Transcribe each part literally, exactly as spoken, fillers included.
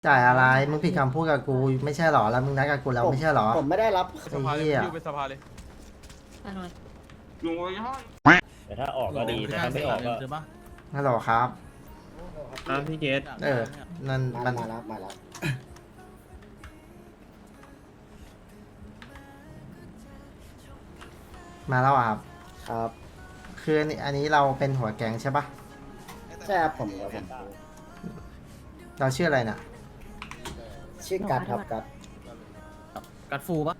จ่ายอะไรมึงผิดคำพูดกับกูไม่ใช่หรอแล้วมึงนัดกับกูแล้วผมไม่ใช่หรอผมไม่ได้รับสภาเลยไอ้เหี้ยอยู่เป็นสภาเลยอร่อยลุงไอ้ห้อยแต่ถ้าออกก็ดีแต่ถ้าไม่ออกก็ฮัลโหลครับอ้าวพี่เกตเออนั่นมามันมาแล้วมาแล้วมาแล้วอะครับครับคืออันนี้อันนี้เราเป็นหัวแก๊งใช่ปะใช่ครับผมครับผมเราชื่ออะไรน่ะชื่อกัดครับกัดกัดฟูปะ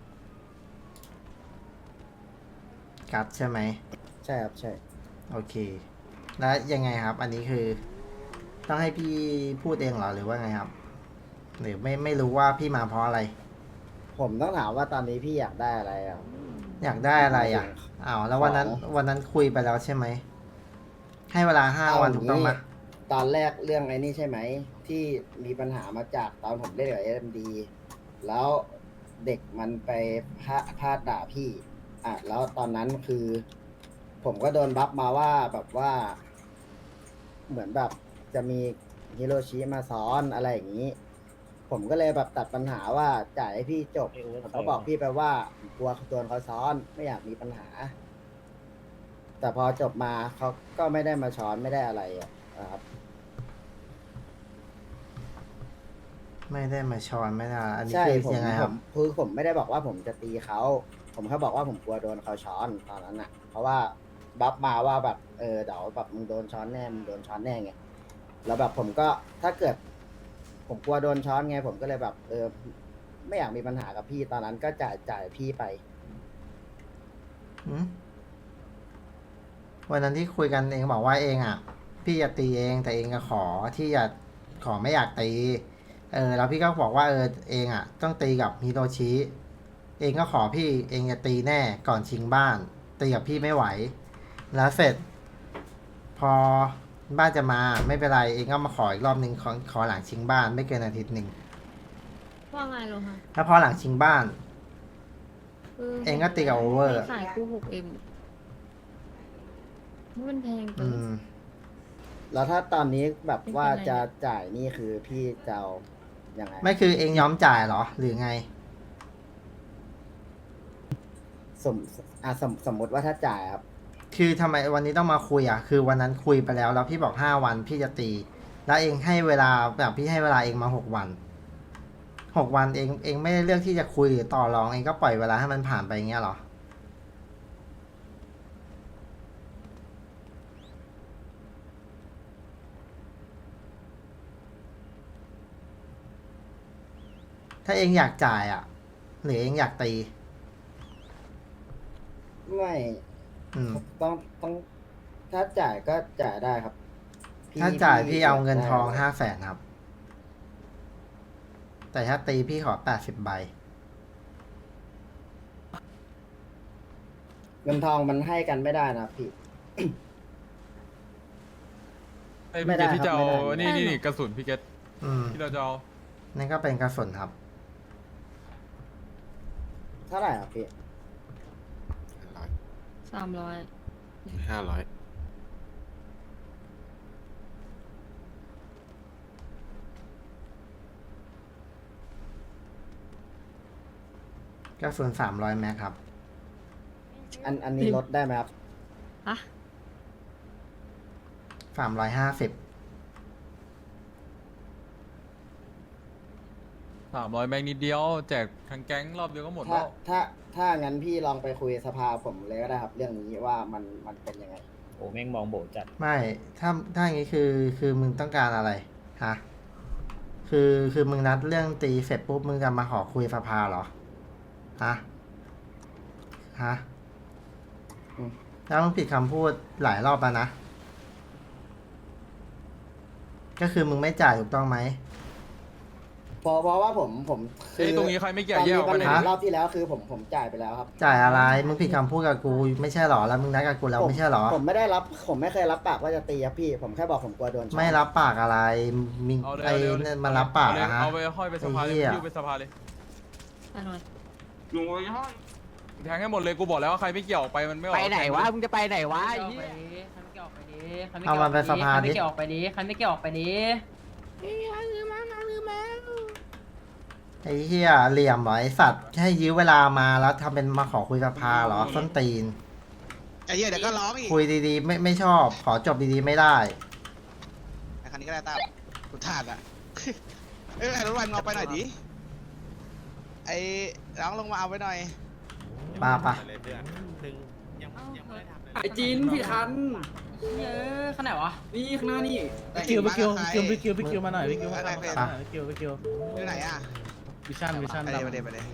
กัดใช่ไหมใช่ครับใช่โอเค แล้วยังไงครับ อันนี้คือ ต้องให้พี่พูดเองเหรอหรือว่าไงครับหรือไม่ไม่รู้ว่าพี่มาเพราะอะไรผมต้องถามว่าตอนนี้พี่อยากได้อะไรอ่ะอยากได้อะไรอ่ะอ้าวแล้ววันนั้นของวันนั้นคุยไปแล้วใช่ไหมให้เวลาห้าวันถูกต้องไหมตอนแรกเรื่องไอ้นี่ใช่ไหมที่มีปัญหามาจากตอนผมเล่นกับเอ็มดีแล้วเด็กมันไปพาพาดด่าพี่อ่ะแล้วตอนนั้นคือ ผมก็โดนบัฟมาว่าแบบว่า เหมือนแบบจะมีฮิโรชิมาซ้อนอะไรอย่างนี้ ผมก็เลยแบบตัดปัญหาว่าจ่ายให้พี่จบผมก็บอกพี่ไปว่ากลัวโดนเขาซ้อนไม่อยากมีปัญหา แต่พอจบมาเขาก็ไม่ได้มาช้อนไม่ได้อะไรอ่ะครับไม่ได้มาช้อนไม่ได้อันนี้ใช่คือผมยังไงผครับมคือผมไม่ได้บอกว่าผมจะตีเขา ผมแค่บอกว่าผมกลัวโดนเขาช้อนตอนนั้นอ่ะ เพราะว่าบัฟมาว่าแบบเออเดี๋ยวแบบมึงโดนช้อนแน่มึงโดนช้อนแน่ไงแล้วแบบผมก็ถ้าเกิด ผมกลัวโดนช้อนไง ผมก็เลยแบบ เออ ไม่อยากมีปัญหากับพี่ตอนนั้นก็จ่ายจ่ายพี่ไปหืมวันนั้นที่คุยกันเองบอกว่าเองอ่ะ พี่จะตีเองแต่เองก็ขอที่จะขอไม่อยากตีเออแล้วพี่ก็บอกว่าเออเองอ่ะ ต้องตีกับฮิโรชิเองก็ขอพี่เองจะตีแน่ก่อนชิงบ้าน ตีกับพี่ไม่ไหว แล้วเสร็จ พอบ้านจะมาไม่เป็นไรเองก็มาขออีกรอบนึงขอขอหลังชิงบ้านไม่เกินอาทิตย์หนึ่งว่าไงโลฮะแล้วพอหลังชิงบ้าน เองก็ตีกับโอเวอร์ขายคู่หกเอ็มมันแพงไปอืมแล้วถ้าตอนนี้แบบไม่เป็นไรว่าจะจ่ายนี่คือพี่จะเอายังไงไม่คือเองยอมจ่ายเหรอ หรือไงสมอ่ะสมสมมติว่าถ้าจ่ายครับคือทำไมวันนี้ต้องมาคุยอ่ะ คือวันนั้นคุยไปแล้ว แล้วพี่บอกห้าวันพี่จะตี แล้วเองให้เวลาแบบพี่ให้เวลาเองมาหกวัน หกวันเองเองไม่ได้เลือกที่จะคุยหรือต่อรองเองก็ปล่อยเวลาให้มันผ่านไปอย่างเงี้ยเหรอ ถ้าเองอยากจ่ายอ่ะ หรือเองอยากตีไม่อืมต้องต้องถ้าจ่ายก็จ่ายได้ครับพี่ถ้าจ่ายพี่เอาเงินได้ทองห้าแสนครับ แต่ถ้าตีพี่ขอแปดสิบใบเงินทองมันให้กันไม่ได้นะพี่ไอ้ไม่พี่ได้เกตที่จะเอาครับไม่ได้นี่นี่นี่กระสุนพี่เกตอืมที่เราจะเอานั่นก็เป็นกระสุนครับเท่าไหร่ครับพี่ร้อยสามร้อยห้าร้อยกระสุนสามร้อยแม็กครับอันอันนี้ลดได้ไหมครับอะสามร้อยห้าสิบสามร้อยแม็กนิดเดียวแจกทั้งแก๊งรอบเดียวก็หมดถ้าแล้วถ้าถ้างั้นพี่ลองไปคุยสภาผมเลยก็ได้ครับ เรื่องนี้ว่ามันมันเป็นยังไงโอ้แม่งมองโบจัดไม่ ถ้า ถ้าอย่างนี้คือ คือมึงต้องการอะไร ฮะ คือ คือมึงนัดเรื่องตีเสร็จปุ๊บ มึงจะมาขอคุยสภาเหรอ ฮะ ฮะอืมแล้วมึงผิดคำพูดหลายรอบแล้วนะ ก็คือมึงไม่จ่ายถูกต้องไหมเพราะเพราะว่าผมผมคืเอ้ยตรงนี้ใครไม่เกี่ยวแยกออกตไปอนไหนมีปัญหาดิรอบที่แล้วคือผมผมจ่ายไปแล้วครับจ่ายอะไร มึงผิดคำพูดกับกูไม่ใช่เหรอ แล้วมึงนัดกับกูแล้วผมไม่ใช่เหรอผมไม่ได้รับ ผมไม่เคยรับปากว่าจะตีครับพี่ ผมแค่บอกผมกลัวโดนช้อนไม่รับปากอะไร มีเอาเลยไอ้เอาเลยเอาเลยเนี่ยมันรับปากเอเลยนะฮะเอาไปห้อยไปสภาเลยไอ้เหี้ยอยู่ไปสภาเลยอร่อยลุงไอ้ห้อยแทงให้หมดเลยกูบอกแล้วว่าใครไม่เกี่ยวออกไปมันไม่ออกไปไหนวะแทงมึงจะไปไหนวะใครไอ้ไม่เหี้ยเกี่ยวออกไปดิใครไม่เอาเกี่ยวออกไปมันไปสภาดิใครไม่เกี่ยวออกไปดิใครไม่เกี่ยวออกไปดิลืมมาลืมมาไอ้เหี้ยเหลี่ยมเหรอไอ้สัตว์ให้ยื้อเวลามาแล้วทำเป็นมาขอคุยสภาเหรอส้นตีนไอ้เหี้ยเดี๋ยวก็ร้องอีกคุยดีๆ ไม่ไม่ชอบ ขอจบดีๆไม่ได้ไอ้คันนี้ก็ได้ตามสุดทานอะ เอ้ยไอ้รถวันเอาไปหน่อยดิไอ้ร้องลงมาเอาไปหน่อยป้าปะไอจีนพี่คันเยอะขนาดวะ นี่ข้างหน้านี่ไปคิวไปคิวไปคิวไปคิวไปคิวมาหน่อยไปคิวมาหน่อยไปไปคิวไปคิวอยู่ไหนอะวิชั่นวิชั่นไปเลยไปเลยไปเลย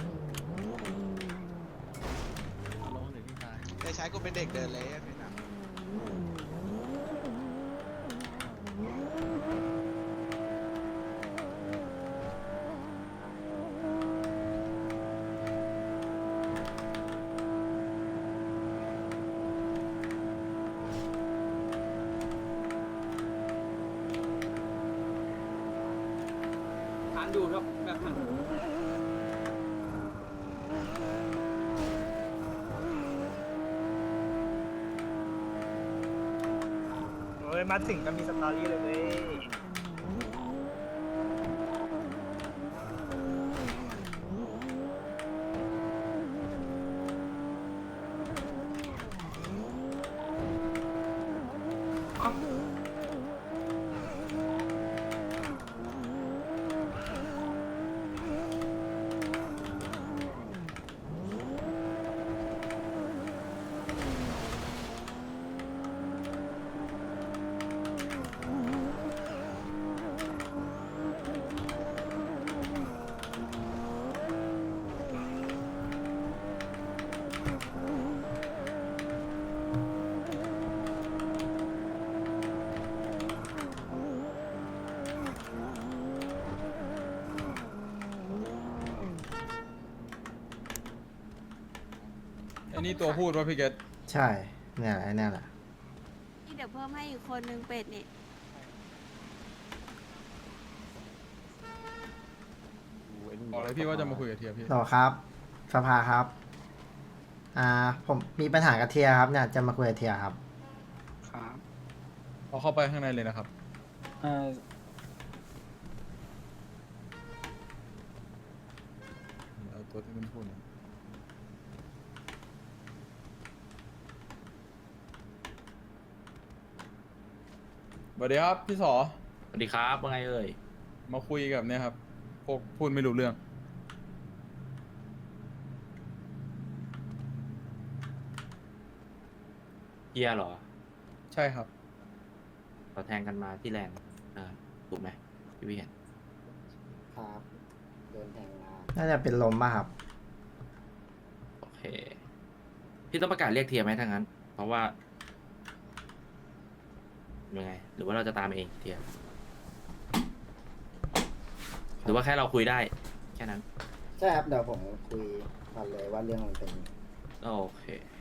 ได้ใช้กูเป็นเด็กเดินเลยไอ้พี่น้ำทานดูครับแบบนั้นเฮ้ยมาถึงก็มีสตอรี่เลยเว้ยไอ้นี่ตัวพูดว่าพี่เกตใช่ เนี่ยแหละไอ้เนี่ยแหละนี่เดี๋ยวเพิ่มให้อีกคนนึงเป็ดนี่บอกเลยพี่ว่าจะมาคุยกับเทียพี่ต่อครับ สภาครับ อ่า ผมมีปัญหากับเทียครับเนี่ย จะมาคุยกับเทียครับครับพอเข้าไปข้างในเลยนะครับเอ่อเอาตัวที่มันพูดนะสวัสดีครับพี่สอสวัสดีครับว่าไงเอ่ยมาคุยกับเนี่ยครับพวกพูดไม่รู้เรื่องเฮียเหรอใช่ครับต่อแทงกันมาที่แลนด์อ่าถูกไหมที่พี่เห็นครับโดนแทงมาน่าจะเป็นลมป่ะครับโอเค พี่ต้องประกาศเรียกเทียร์ไหมถ้างั้น เพราะว่ายังไง หรือว่าเราจะตามเองเทียร์หรือว่าแค่เราคุยได้ แค่นั้นใช่ครับ เดี๋ยวผมคุยกันเลยว่าเรื่องมันเป็นยังไงโอเค